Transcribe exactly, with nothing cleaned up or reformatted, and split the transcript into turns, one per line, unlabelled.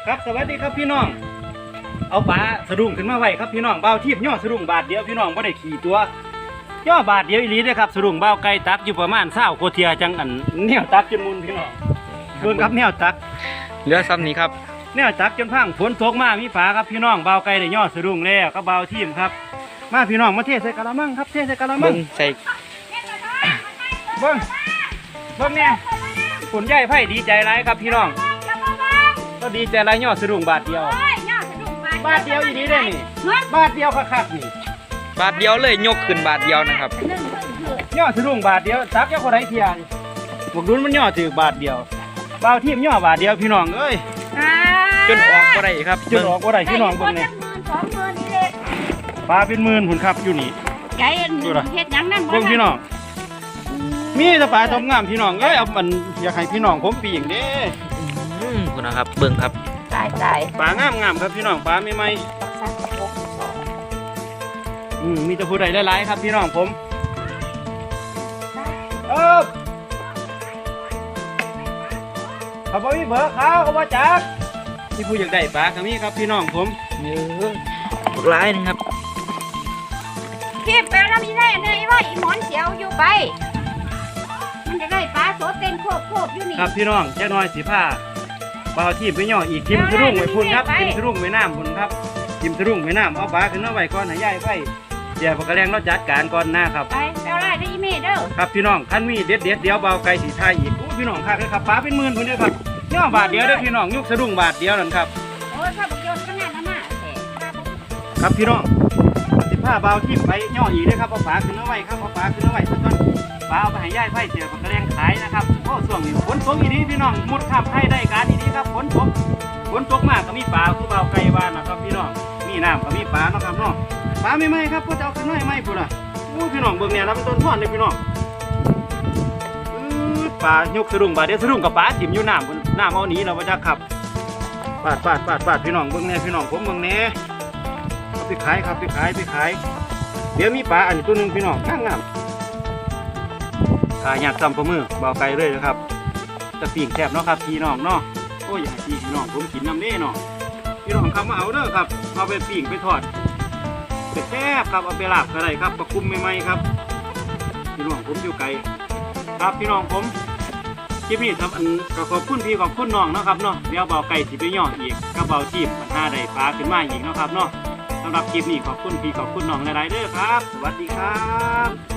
ครับสวัสดีครับพี่น้องเอาปลาสะดุ้งขึ้นมาไว้ครับพี่น้องเบาทีบย่อสะดุ้งบาทเดียวพี่น้องไม่ได้ขี่ตัวย่อบาทเดียวอีหลีเด้อครับสะดุ้งเบาไก่ตักอยู่ประมาณเศร้าโคเทียจังอันแนวตักจนมุนพี่น้องโดนครับแนวตัก
เรือซ้ำนี้ครับ
แนวตักจนพังฝนตกมามีฝาครับพี่น้องเบาไก่ได้ย่อสะดุ้งแล้วก็เบาทีมครับมาพี่น้องมาเทใส่กะละมังครับเทใส่กะละมั
เบิ้
ง
งใส่
เบิ้งเบิ้งเนี่ยฝนใหญ่ไผ่ดีใจไรครับพี่น้องก็ดีใจไรย่อสะดุ้งบาทเดียวบาทเดียวอีนี้ได้นี่บาทเดียวคักๆนี่
บาทเดียวเลยยกขึ้นบาทเดียวนะครับ
ย่อสะดุ้งบาทเดียวซักแค่คนไรเทียนบวกดุนมันย่อถือบาทเดียวเบาทีมย่อบาทเดียวพี่น้องเอ้ย
จนออกก็ได้ครับ
จนออกว่าไรพี่น้องเบิ่งเนี่ยปลาเป็นหมื่นหุ่นครับอยู่นี่
ไก่เฮ็ดยังนั่น
เบิ่งพี่น้องมีแต่ปลาทองงามพี่น้องเอ้ยเอามันอยากให้พี่น้องผมปีอย่างเด้
อืมคุณนะครับเบิ้งครับ
ตายตาย
ปลางามงามครับพี่น้องปลาไม่ไหมอืมมีแต่ผู้ใดหลายๆครับพี่น้องผมเออเขาบอกมีเบอร์เขาเขาว่าจักที่ผู้อยากได้ปลาก็มีครับพี่น้องผม
เยอะบักร้ายนึงครับ
เก็บไปแล้วมีได้เลยว่าอีหมอนเสียวอยู่ไปมันจะได้ปลาโสเต้นโคบโคบอยู่นี่
ครับพี่น้องแจ้น้อยสีผ้าปลาทีมไปย่ออีกทิมทะลุงไว้พุ่นครับทิมทะลุงไว้น้ำพุ่นครับทิมทะลุงไว้น้ำเอาปลาขึ้นมาไว้ก่อนให้ย่ายไฟเดี๋ยวปลากระแรงเราจัดการก่อนหน้าครับ
ไปเอาได้ได้อีเมเด้อ
ครับพี่น้องขั้นมีเด็ดเด็ดเดี๋ยวเบาไก่สีไทยอีกอู้พี่น้องค่ะเลยครับปลาเป็นหมื่นพุ่นเด้อครับย่อบาทเดียวเด้อพี่น้องยุกสะดุ้งบาทเดียวนั่นครับ
โอ้ถ้าบอกโยนก็น่าจะน่าแต่
ครับพี่น้องสิผ้าเบาทิมไปย่ออีกเด้อครับเอาปลาขึ้นมาไว้ครับเอาปลาขึ้นมาไว้สักก่อนปลาเอาไปให้ย่ายไฟเสียปลากระแรงขายนะครับโอ้ส่วงนี้ฝนตกอีนี้พี่น้องมุดข้ามไทยได้การอีนี้ครับฝนตกฝนตกมากก็มีปลาคือเบาไก่บ้านนะครับพี่น้องมีน้ำก็มีปลาเนาะครับเนาะปลาไม่ไหมครับก็จะเอาขึ้นมาไม่พุ่นล่ะอู้พี่น้องเบิ่งเนี่ยเราเป็นต้นท่อนเลยพี่น้องอื้อปลายกสะดุ้งบาดเดียวสะดุ้งกับปลาถิ่มอยู่น้ำบนน้ำเอาหนีเราไปจักครับปาดปาดปาดปาดพี่น้องเบิ่งเนี่ยพี่น้องผมเบิ่งเนี่ยเอาไปขายครับไปขายไปขายเดี๋ยวมีปลาอันตัวหนึ่งพี่น้องงามงามขายอยากซ้ำประมือเบาไกลเลยนะครับจะปีกแทบเนาะครับพี่น้องเนาะโอ้ยอยากให้พี่น้องผมกินน้ำเด้เนาะพี่น้องคำมาเอาเด้อครับเอาไปปีกไปทอดแซ่บครับเอาไปลาบก็ได้ครับประคุมใหม่ๆครับพี่น้องผมอยู่ไกลครับพี่น้องผมคลิปนี้ครับอันก็ขอบคุณพี่ขอบคุณน้องเนาะครับเนาะเดี๋ยวเบาไก่สิไปย่ออีกก็เบาจีบมันหาได้ปลาขึ้นมาอีกเนาะครับเนาะสำหรับคลิปนี้ขอบคุณพี่ขอบคุณน้องหลายๆเด้อครับสวัสดีครับ